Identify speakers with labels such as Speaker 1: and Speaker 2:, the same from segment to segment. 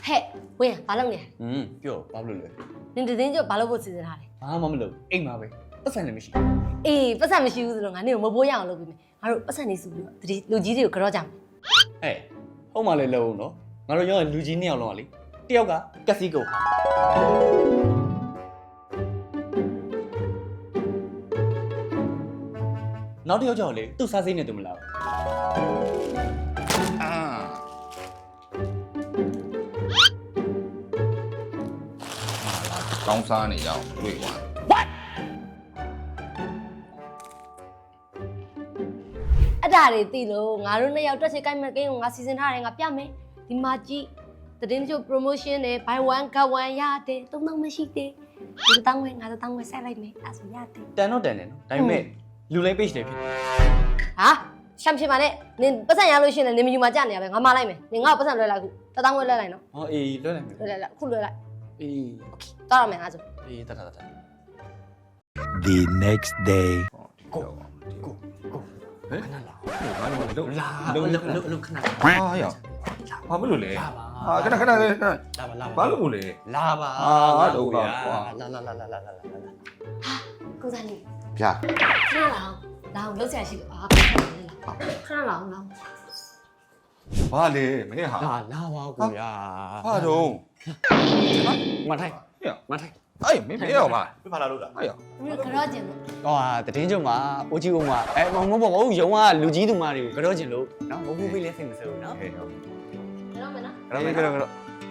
Speaker 1: 嘿，喂，ဘာလုပ်နေလဲ
Speaker 2: ပြောဘာလို့လဲ
Speaker 1: နင်တည်င်းကျဘာလုပ်ဖို့စီစဉ်ထားလဲ
Speaker 2: ဘာမှမလုပ်အိမ်မှာပဲပတ်စံလည်းမရှိ
Speaker 1: အေးပတ်စံမရှိဘူးဆိုတော့ငါနင့်ကိုမပိုးရအောင်လုပ်ပြီးမယ်ငါတို့ပတ်စံနေစုပြီးတော့တတိလူကြီးတွေကိုကြော့ကြမယ်
Speaker 2: ဟုတ်မှလည်းလုံးနော်ငါတို့ရောလူကြီး2ယောက်လုံးကလေတယောက်ကကက်စီကိုနောက်တစ်ယောက်ကြောင့်လေသူ့စားစိမ့်နေတယ်မလား
Speaker 3: ကောင်းစားနေကြအောင်တွေ့သွား
Speaker 1: အဲ့ဒါတွေသိလို့ငါတို့နှစ်ယောက်တက်ချေကိုက်မဲ့ကိန်းကိုငါစီစဉ်ထားတယ်ငါပြမယ်ဒီမှာကြည့်တည်င်းကျ promotion နဲ့ buy one get one ရတယ်3000မရှိသေးဒီတောင်းဝဲငါတို့တောင်းဝဲဆက်လိုက်မယ်အဲ့ဆိုရတယ်
Speaker 2: တန်တော့တန်တယ်နော်ဒါပေမဲ့လူလိမ့် page တွေဖြစ်
Speaker 1: ဟာရှမ်းဖြစ်ပါနဲ့နင်ပတ်စံရလို့ရှိရင်လည်းနင်မယူမှာကြနေရပဲငါမလိုက်မယ်နင်ငါ့ကိုပတ်စံလွှဲလိုက်ခုတောင်းဝဲလွှဲလိုက်နော်
Speaker 2: ဟောအေးလွှဲလိုက်မယ်
Speaker 1: လွှဲလိုက်ခုလွှဲလိုက်
Speaker 2: အေး
Speaker 1: တောင်းရမယ်ငါဆို
Speaker 2: အေးတတ်
Speaker 4: The next day.
Speaker 2: ကိုဟဲ့ခဏလာဘာလို့လာလုံးခဏ
Speaker 3: ဟာရဘာမလို့လဲဟာခဏခဏလေး
Speaker 2: လာပါလာ
Speaker 3: ဘာလို့လဲ
Speaker 2: လာပါ
Speaker 3: ဟာတော့ကွာ
Speaker 2: လာ
Speaker 1: ကိုစားလေး
Speaker 3: ဗျာ
Speaker 1: ခဏလာအောင်လှုပ်ရှားရှိလို့အာခဏလာအောင်
Speaker 3: ဘာလဲမင်းဟာ
Speaker 2: လာပါကိုရ
Speaker 3: ဘာတော့
Speaker 2: မထိုင်
Speaker 3: ဟဲ့
Speaker 2: မထိုင်
Speaker 3: အေးမင်းရောပါ
Speaker 5: ပြပါလာလို့လား
Speaker 3: အေး
Speaker 1: နင်ကြော့ကျင်လို့
Speaker 2: ဟောတည်င်းကျုံမှာအိုကြီးဦးမှာမဟုတ်ရုံကလူကြီးသူမတွေကိုကြော့ကျင်လို့နော်မဟုတ်ဘူးလေးစိတ်မစိုးနော်
Speaker 3: ဟဲ့ရော
Speaker 1: ကြော့မယ်နော်
Speaker 3: ကတော့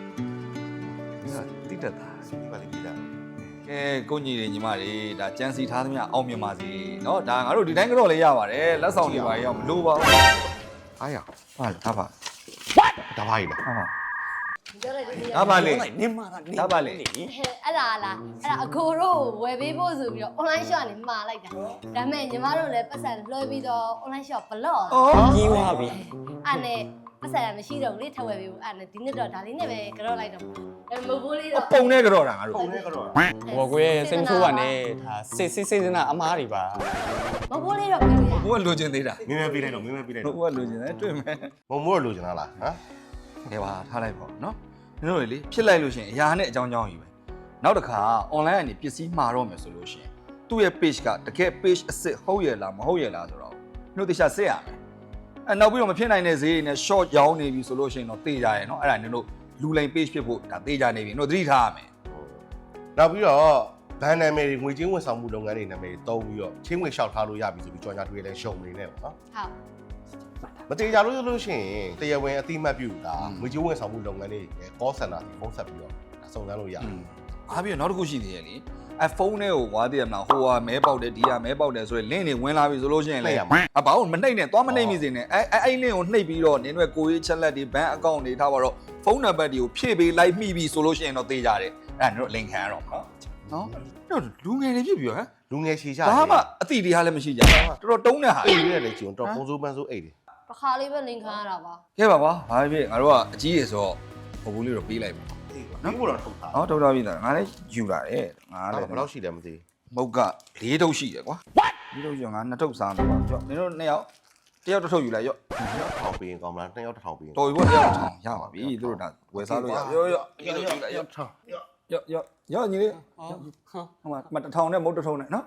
Speaker 3: တိတက်တာ
Speaker 5: ဒီပါလေးပြီးတာ
Speaker 3: ကဲကိုညီတွေညီမတွေဒါကြမ်းစီထားသမျှအောင်မြင်ပါစေเนาะဒါငါတို့ဒီတိုင်းကတော့လေးရပါတယ်လက်ဆောင်တွေပါရအောင်မလိုပါဘူးအားရဟာဒါပါ
Speaker 5: ဒါပါကြီးလား
Speaker 3: ဟာ
Speaker 1: ကြော့လိုက်ဒီ
Speaker 3: ဒါပါလေ
Speaker 2: နင်းမာတာနင်း
Speaker 3: ဒါပါလေ
Speaker 1: အဲ့ဒါလားအဲ့ဒါအကိုတို့ဝယ်ပေးဖို့ဆိုပြီးတော့ online shop ကနေမှာလိုက်တာဒါပေမဲ့ညီမတို့လည်းပတ်စံလွှဲပြီးတော့ online shop block
Speaker 2: ကြီးသွားပြီ
Speaker 1: အဲ့နဲ့ပတ်စံမရှိတော့ဘူးလေထပ်ဝယ်ပေးဖို့အဲ့နဲ့ဒီနေ့တော့ဒါလေးနဲ့ပဲကြော့လိုက်တော့အဲ့မဟုတ်လေးတော့
Speaker 3: ပုံနဲ့ကြောတာငါတို့
Speaker 5: ပုံနဲ့ကတော့
Speaker 2: ဟောကိုရဲ့စိတ်မဆိုးပါနဲ့ဒါစိတ်စနာအမားတွေပါ
Speaker 1: မဟုတ်လေးတော့ပြေးလို့ရ
Speaker 3: ဘိုးကလိုချင်သေးတာ
Speaker 5: မင်းမဲပြီးလိုက်တော့မင်းမဲပြီးလိုက်
Speaker 3: ဘိုး
Speaker 5: တော့
Speaker 3: ကလိုချင်တယ်တွေ့မယ်
Speaker 5: မုံမိုးလိုချင်တာလားဟမ်
Speaker 3: ကဲပါထားလိုက်ပါနော်ကျွန်တော်လေဖြစ်လိုက်လို့ရှိရင်အရာနဲ့အကြောင်းကြောင်းကြီးပဲနောက်တစ်ခါ online ကနေပစ္စည်းမှာတော့မယ်ဆိုလို့ရှိရင်သူ့ရဲ့ page ကတကယ် page အစ်စ်ဟုတ်ရဲ့လားမဟုတ်ရဲ့လားဆိုတော့တို့တခြားစစ်ရမယ်အဲနောက်ပြီးတော့မဖြစ်နိုင်တဲ့ဈေးတွေနဲ့ short ရောင်းနေပြီဆိုလို့ရှိရင်တော့တေးကြရဲနော်အဲ့ဒါတို့လူလိမ် page ဖြစ်ဖို့ဒါတေးကြနေပြီတို့သတိထားရမယ်
Speaker 5: နောက်ပြီးတော့ဘန်နာမည်တွေငွေချင်းဝန်ဆောင်မှုလုပ်ငန်းတွေနာမည်တွေတုံးပြီးတော့ချင်းငွေလျှောက်ထားလို့ရပြီဆိုပြီးကြော်ညာတွေလည်းရှုံနေနေပေါ့နော်
Speaker 1: ဟုတ်
Speaker 5: မတေချာလို့ရှိရင်တရားဝင်အတိမတ်ပြုတာငွေချင်းဝန်ဆောင်မှုလုပ်ငန်းတွေ call center ဖုန်းဆက်ပြီးတော့စုံစမ်းလို့ရတယ်
Speaker 3: အားပြီးတော့နောက်တစ်ခုရှိသေးရဲ့လေအဲဖုန်းထဲကိုဝါသေးရမလားဟိုဟာမဲပေါက်တယ်ဒီဟာမဲပေါက်တယ်ဆိုရင် link တွေဝင်လာပြီဆိုလို့ရှိရင်လေအဘာလို့မနှိမ့်နဲ့သွားမနှိမ့်မိစေနဲ့အဲ့ link ကိုနှိပ်ပြီးတော့နင်းတို့ကိုရေးချက်လက်တွေ bank account တွေထားပါတော့ဖုန်းနံပါတ်တွေကိုဖြည့်ပေးလိုက်မိပြီဆိုလို့ရှိရင်တော့သေးကြတယ်အဲ့ဒါနင်တို့ link ခံရတော့မှာနော်တို့လူငယ်တွေဖြစ်ပြီဟမ်
Speaker 5: လူငယ်ရှည်ကြ
Speaker 3: ဘာမှအတိတရားလည်းမရှိကြဘူးတော်တော်တုံးတဲ့ဟာ
Speaker 5: အိတ်ရလည်းကျုံတော့ပုံစိုးပန်းစိုးအိတ်တယ်
Speaker 1: တစ်ခါလေးပဲလင်ခံရတာပါ
Speaker 3: ကဲပါကွာဘာဖြစ်ငါတို့ကအကြီးရေဆိုတော့ဟိုဘူးလေးတော့ပေးလိုက်ပါ
Speaker 5: နော်ဘယ်လိုထုတ်တာ
Speaker 3: ဟောတော်တော်ပြီလားငါလည်းယူလာတယ်ငါလည်း
Speaker 5: ဘယ်လောက်ရှိတယ်မသိ
Speaker 3: မုတ်က၄ထုပ်ရှိတယ်ကွာ၄ထုပ်ရှိငါ2ထုပ်စားမယ်ကွာကြောက်နင်တို့2ယောက်တယောက်တစ်ထုပ်ယူလိုက်ရော့
Speaker 5: ထောင်ပေးရင်ကောင်းမလား2ယောက်တစ်ထောင်ပေးရင်
Speaker 3: တော်ပြီပေါ့တယောက်တစ်ထောင်ရပါပြီသူတို့ဒါဝယ်စားလို့ရရော့ညီလေးရော့
Speaker 5: ထောင်
Speaker 3: ရော့ညီလေးဟိုမှာတစ်ထောင်နဲ့မုတ်တစ်ထုံနဲ့နော်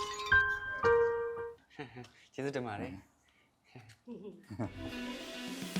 Speaker 2: ကျေးဇူးတင်ပါတယ်